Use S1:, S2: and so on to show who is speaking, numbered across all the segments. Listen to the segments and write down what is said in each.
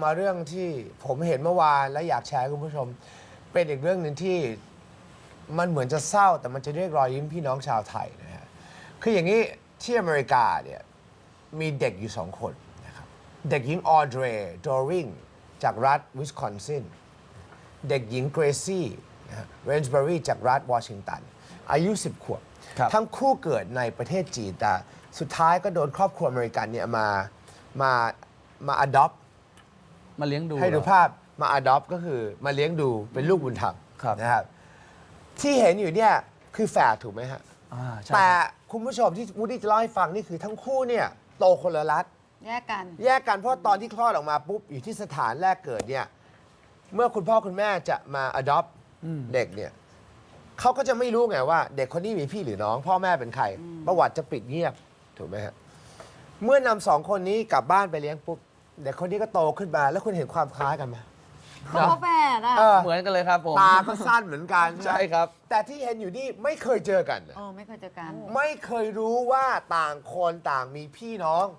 S1: มาเรื่องที่ผมเห็นเมื่อวานและอยากแชร์ให้คุณผู้ชม เป็นอีกเรื่องหนึ่งที่มันเหมือนจะเศร้าแต่มันจะเรียกรอยยิ้มพี่น้องชาวไทยนะฮะคืออย่างนี้ที่อเมริกาเนี่ยมีเด็กอยู่2 คนนะครับเด็กหญิงออเดรดอริงจากรัฐวิสคอนซินเด็กหญิงเกรซี่เรนส์เบอรีจากรัฐวอชิงตันอายุ10 ขวบทั้งคู่เกิดในประเทศจีนแต่สุดท้ายก็โดนครอบครัวอเมริกันเนี่ยมา adopt
S2: มาเลี้ยงดู
S1: ให้ดูภาพมา adopt ก็คือมาเลี้ยงดูเป็นลูกบุญธรรมนะครับที่เห็นอยู่เนี่ยคือแฝดถูกไหมฮะแต่คุณผู้ชมที่วูดดี้จะเล่าให้ฟังนี่คือทั้งคู่เนี่ยโตคนละรัฐ
S3: แยกกัน
S1: เพราะตอนที่คลอดออกมาปุ๊บอยู่ที่สถานแรกเกิดเนี่ยเมื่อคุณพ่อคุณแม่จะมา adopt เด็กเนี่ยเขาก็จะไม่รู้ไงว่าเด็กคนนี้มีพี่หรือน้อง พ่อแม่เป็นใครประวัติจะปิดเงียบถูกไหมฮะเมื่อนำ2 คนนี้กลับบ้านไปเลี้ยงปุ๊บเด็กคนนี้ก็โตขึ้นมาแล้วคุณเห็นความคล้ายกันไหม
S3: เขาแฝดอ่ะ
S2: เหมือนกันเลยครับผม
S1: ตาก็สั้นเหมือนกัน
S2: ใช่ครับ
S1: แต่ที่เห็นอยู่นี่ไม่เคยเจอกัน
S3: ไม่เคยเจอกัน
S1: ไม่เคยรู้ว่าต่างคนต่างมีพี่น้อง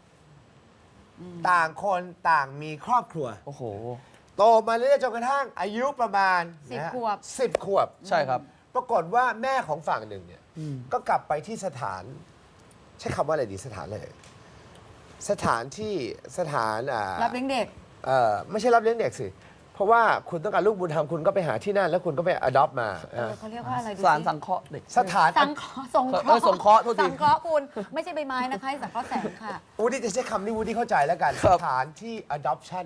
S1: ต่างคนต่างมีครอบครัว
S2: โอ้โห
S1: โตมาเรื่อยๆจนกระทั่งอายุประมาณ
S3: 10 ขวบ
S1: 10 ขวบ
S2: ใช่ครับ
S1: ปรากฏว่าแม่ของฝั่งหนึ่งเนี่ยก็กลับไปที่สถานใช้คำว่าอะไรดีสถานเลยสถาน
S3: รับเลี้ยงเด็ก
S1: ไม่ใช่รับเลี้ยงเด็กสิเพราะว่าคุณต้องการลูกบุญธรรมคุณก็ไปหาที่นั่นแล้วคุณก็ไป adopt มา
S3: เขาเรียกว่าอะไร
S2: สถานสังเคราะห์เด็ก
S1: สถาน
S3: สังเคราะห์สงเคราะห์
S2: สงเคราะห์โทษที
S3: สังเคราะห์คุณไม่ใช่ใบไม้นะคะสังเคราะห์แสงค่ะ
S1: วูดดี้จะใช้คำที่วูดดี้เข้าใจแล้วกันสถานที่ adoption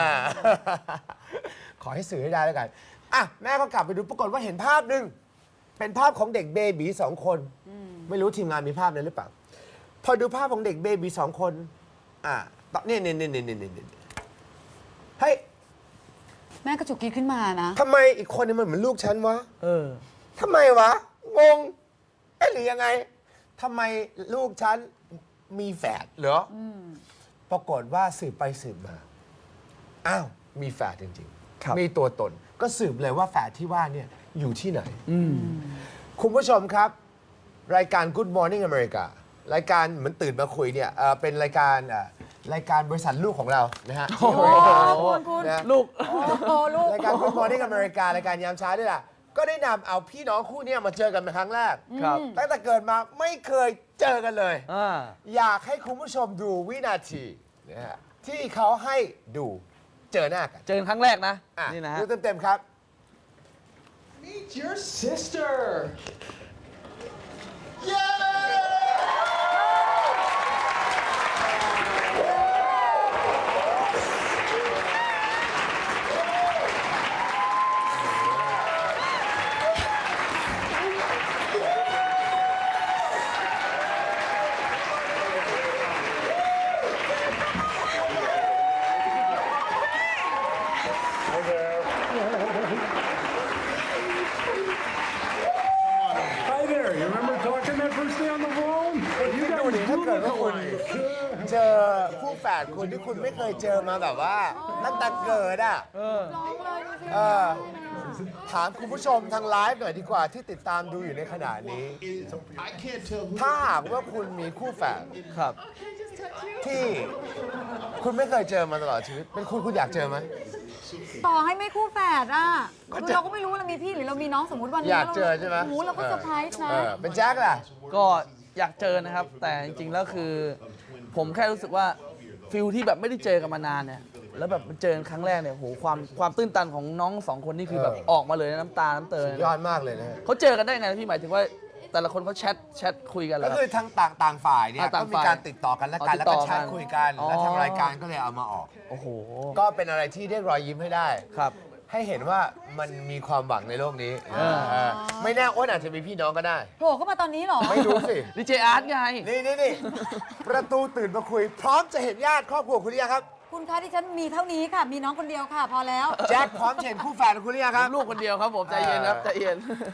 S1: ขอให้สื่อให้ได้แล้วกันอ่ะแม่ก็กลับไปดูปรากฏว่าเห็นภาพหนึ่งเป็นภาพของเด็กเบบี2 คนไม่รู้ทีมงานมีภาพนั้นหรือเปล่าพอดูภาพของเด็กเบบี2 คนเนี่ยเฮ้ย
S3: แม่กระจุกกีขึ้นมานะ
S1: ทำไมอีกคนนึงมันเหมือนลูกฉันวะทำไมวะงงหรือยังไงทำไมลูกฉันมีแฝดเหรอปรากฏว่าสืบไปสืบมาอ้าวมีแฝดจริงๆมีตัวตนก็สืบเลยว่าแฝดที่ว่าเนี่ยอยู่ที่ไหนคุณผู้ชมครับรายการ Good Morning America รายการเหมือนตื่นมาคุยเนี่ยเป็นรายการบริษัทลูกของเรานะฮะ
S3: คุณ
S2: ลูก
S1: รายการ Good Morning America รายการยามเช้าด้วยล่ะก็ได้นำเอาพี่น้องคู่นี้มาเจอกันเป็นครั้งแรกตั้งแต่เกิดมาไม่เคยเจอกันเลยอยากให้คุณผู้ชมดูวินาทีนะฮะที่เขาให้ดูเจอหน้ากัน
S2: เจอครั้งแรกนะนี่นะฮะ
S1: ดูเต็มๆครับ
S4: Meet your sister Hi there. You remember talking that first day on the phone?
S1: คิดดูดิถ้าเกิดว่าคุณเจอคู่แฝดคุณที่คุณไม่เคยเจอมาแบบว่าตั้งแต่เกิดถามคุณผู้ชมทางไลฟ์หน่อยดีกว่าที่ติดตามดูอยู่ในขณะนี้ถ้าหากว่าคุณมีคู่แฝดที่คุณไม่เคยเจอมาตลอดชีวิตเป็นคุณอยากเจอไหม
S3: ต่อให้ไม่คู่แฝดคือเราก็ไม่รู้เรามีพี่หรือเรามีน้องสมมติวันนี้
S1: อยากเจอใช่ไหม
S3: เราก็เซอร์ไพรส์นะ
S1: เป็นแจ็คล่ะ
S2: ก็อยากเจอนะครับแต่จริงๆแล้วคือผมแค่รู้สึกว่าฟิลที่แบบไม่ได้เจอกันมานานเนี่ยแล้วแบบเจอครั้งแรกเนี่ยโหความตื้นตันของน้อง2 คนนี่คือแบบออกมาเลยน้ำตาน้ำเตย
S1: ยอดมากเลยนะ
S2: เขาเจอกันได้ไงพี่หมายถึงว่าแต่ละคนเขาแชทคุยกัน
S1: ก็คือทั้งต่างฝ่ายเนี่ยก็มีการติดต่อกันแล้วก็แชทคุยกันแล้วทางรายการก็เลยเอามาออก
S2: โอ้โห
S1: ก็เป็นอะไรที่เรียกรอยยิ้มให้ได้
S2: ครับ
S1: ให้เห็นว่ามันมีความหวังในโลกนี้ไม่แน่อ้นอาจจะมีพี่น้องก็ได้
S3: โผล่เข้ามาตอนนี้หรอ
S1: ไม่รู้สิ
S2: ดีเจอาร์ตไง
S1: นี่ประตูตื่นมาคุยพร้อมจะเห็นญาติครอบครัวคุณหรือยังครับ
S3: คุณคะที่ฉันมีเท่านี้ค่ะมีน้องคนเดียวค่ะพอแล้ว
S1: แจ็คพร้อมเห็นคู่แฝดคุณหรือยังครับ
S2: ลูกคนเดียวครับผมใจเย็นครับใจเย็น